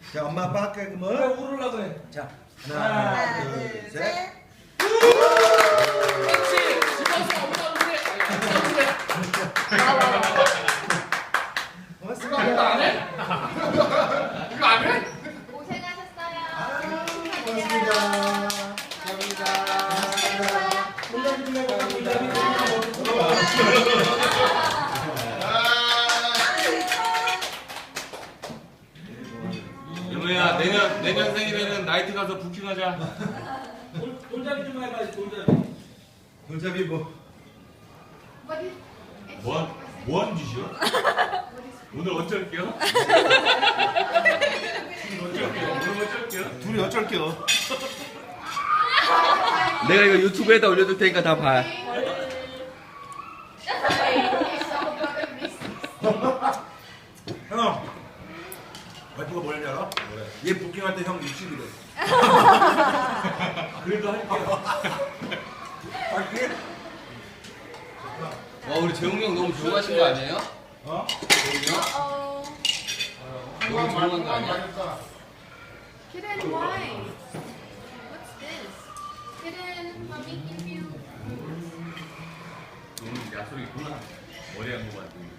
자, 엄마 아빠 할게 왜 그러면. 울으려고 그래? 자, 하나, 하나, 둘, 둘, 셋. 셋. 그렇지. 집어서 엄마 울래. 고맙습니다. 이거 안 해? 이거 안 해? 고생하셨어요. 고맙습니다. 감사합니다. 문자비 좀 해봐. 문자비 좀 해봐. 영호야 내년 생일에는 나이트 가서 부킹하자. 돈잡이 좀 해봐야지 돈잡이. 문자비 뭐? 뭐하는 짓이야? 오늘 어쩔게요? 오늘 어쩔게요? 둘이 어쩔게요. 내가 이거 유튜브에다 올려둘 테니까 다 봐. 형, 와이프가 뭐랬지 알아? 얘 부킹할 때 형 60이래. 그래도 할게요. 할게? 와 우리 재웅이 형 너무 조용하신 거 아니에요? 어? 재웅이 형? 너무 조용한 거 아니야? Kitten, why? What's this? Kitten, mommy give you. 너는 약속이 있구나. 머리 한거 만드는